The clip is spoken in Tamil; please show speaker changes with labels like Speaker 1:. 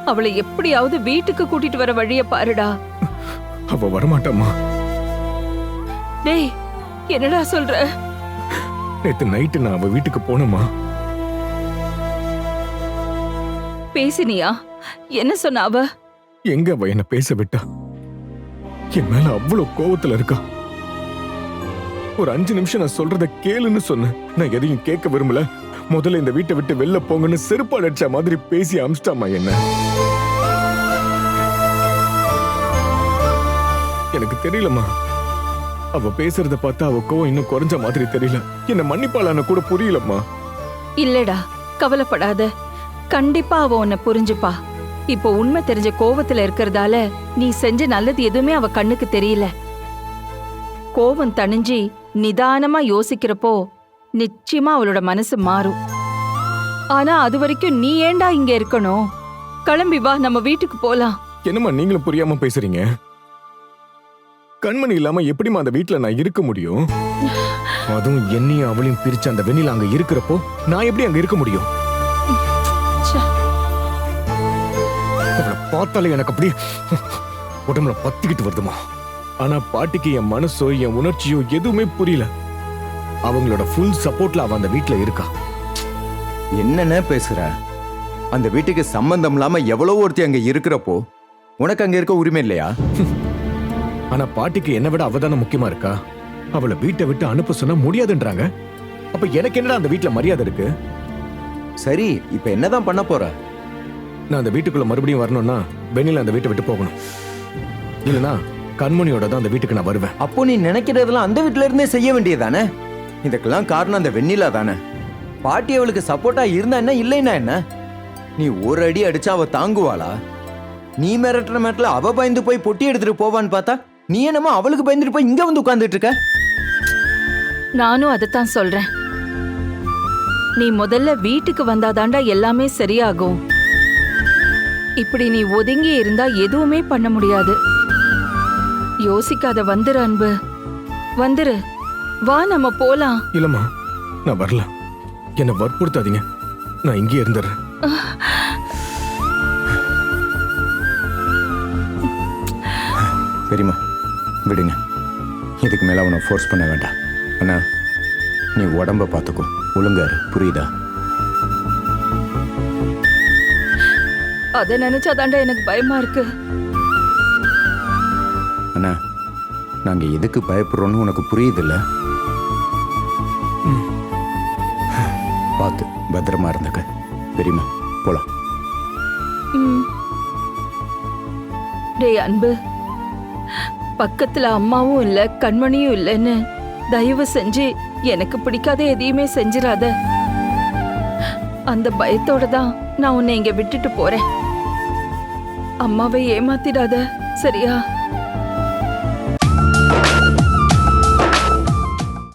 Speaker 1: அவளை எப்படியாவது வீட்டுக்கு கூட்டிட்டு வர வழிய பாருடா.
Speaker 2: அவ வரமாட்டாமா.
Speaker 1: டேய், என்னடா சொல்ற?
Speaker 2: நேத்து நைட்டு நான் அவ வீட்டுக்கு போனேம்மா.
Speaker 1: பேசினியா? என்ன சொன்ன அவ?
Speaker 2: எங்க அவ என்ன பேச விட்டா? என் மேல அவ்வளவு கோவத்துல இருக்கா. ஒரு 5 நிமிஷம் நான் சொல்றத கேளுன்னு சொன்னேன். நான் எதையும் கேட்க விரும்பல. முதல்ல இந்த வீட்டை விட்டு வெளில போங்கன்னு செருப்பால் அடிச்ச மாதிரி பேசி அமிச்சிட்டாமா என்ன. எனக்கு தெரியலம்மா. அவ பேசுறத பார்த்தா அவ கோவம் இன்னும் குறைஞ்ச மாதிரி தெரியல. என்ன மன்னிப்பாளான கூட புரியலம்மா.
Speaker 1: இல்லடா, கவலைப்படாத. கண்டிப்பா அவ உன்னை புரிஞ்சுப்பா. இப்போ உண்மை தெரிஞ்ச கோவத்துல இருக்கறதால நீ செஞ்ச நல்லது எதுவுமே அவ கண்ணுக்கு தெரியல. கோவம் தணிஞ்சு நிதானமா யோசிக்கிறப்போ நிச்சயமா அவளோட மனசு மாறும். ஆனா அது வரைக்கும் நீ ஏண்டா இங்க இருக்கணும்? கிளம்பி வா, நம்ம வீட்டுக்கு போலாம்.
Speaker 2: என்னம்மா நீங்களும் புரியாம பேசுறீங்க? கண்மணி இல்லாம எப்படிமா அந்த வீட்டுல நான் இருக்க முடியும்? அதுவும் என்னையும் அவளையும் பிரிச்சு அந்த வெண்ணில அங்க இருக்கிறப்போ நான் எப்படி அங்க இருக்க முடியும்? அவளை பார்த்தாலே எனக்கு அப்படி உடம்புல பத்திக்கிட்டு வருதுமா. ஆனா பாட்டிக்கு என் மனசோ என் உணர்ச்சியோ எதுவுமே புரியல. அவங்களோட ஃபுல் சப்போர்ட்ல அவ அந்த வீட்டுல இருக்கா.
Speaker 3: என்னென்ன பேசுற? அந்த வீட்டுக்கு சம்பந்தம் இல்லாம எவ்வளவு ஒருத்தி அங்க இருக்கிறப்போ உனக்கு அங்க இருக்க உரிமை இல்லையா?
Speaker 2: ஆனா பாட்டிக்கு என்ன விட அவதான முக்கியமா இருக்கா. அவளை வீட்டை விட்டு அனுப்ப சொன்னா முடியாதுன்றாங்க. அப்ப எனக்கு என்னடா அந்த வீட்டுல மரியாதை இருக்கு?
Speaker 3: சரி, இப்ப என்னதான் பண்ண போற?
Speaker 2: நான் அந்த வீட்டுக்குள்ள மறுபடியும் வரணும்னா வெண்ணில அந்த வீட்டை விட்டு போகணும். இல்லனா கண்மணியோட தான் அந்த வீட்டுக்கு நான் வருவேன்.
Speaker 3: அப்போ நீ நினைக்கிறதெல்லாம் அந்த வீட்டுல இருந்தே செய்ய வேண்டியதானே? இதுக்கெல்லாம் காரணம் அந்த வெண்ணிலா தானே. பாட்டி அவளுக்கு சப்போர்ட்டா இருந்தா என்ன, இல்லைன்னா என்ன? நீ ஒரு அடி அடிச்சா அவ தாங்குவாளா? நீ மிரட்டுற மேட்டில் அவ பயந்து போய் பொட்டி எடுத்துட்டு போவான்னு பார்த்தா நீ என்னமோ அவளுக்கு பயந்துட்டு போய் இங்க வந்து உட்கார்ந்துட்டு இருக்க.
Speaker 1: நானும் அதைத்தான் சொல்றேன். நீ முதல்ல வீட்டுக்கு வந்தாதாண்டா எல்லாமே சரியாகும். இப்படி நீ ஒதுங்கி இருந்தா எதுவுமே பண்ண முடியாது. யோசிக்காத, வந்துரு அன்பு, வந்துரு. வா, நம்ம போலாம்.
Speaker 2: இல்லம்மா, நான் வரல. என்ன வற்புறுத்தாதீங்க. நான் இங்கே இருந்துடுறேன்.
Speaker 3: பெரியம்மா விடுங்க. இதுக்கு மேல அவனை ஃபோர்ஸ் பண்ண வேண்டாம். அண்ணா, நீ உடம்ப பார்த்துக்கோ, ஒழுங்காரு, புரியுதா?
Speaker 1: அத நினைச்சாதாண்டா எனக்கு பயமா இருக்கு.
Speaker 3: அண்ணா, நாங்க எதுக்கு பயப்படுறோம்னு உனக்கு புரியுதுல்ல? பார்த்து பத்திரமா இருந்துக்க. பெரியம்மா போலாம்.
Speaker 1: டேய் அன்பு, பக்கத்துல அம்மாவும் இல்ல கண்மணியும் இல்லைன்னு தயவு செஞ்சு எனக்கு பிடிக்காத எதையுமே செஞ்சிடாத. அந்த பயத்தோட தான் நான் உன்னை இங்க விட்டுட்டு போறேன். அம்மாவை ஏமாத்திடாத, சரியா?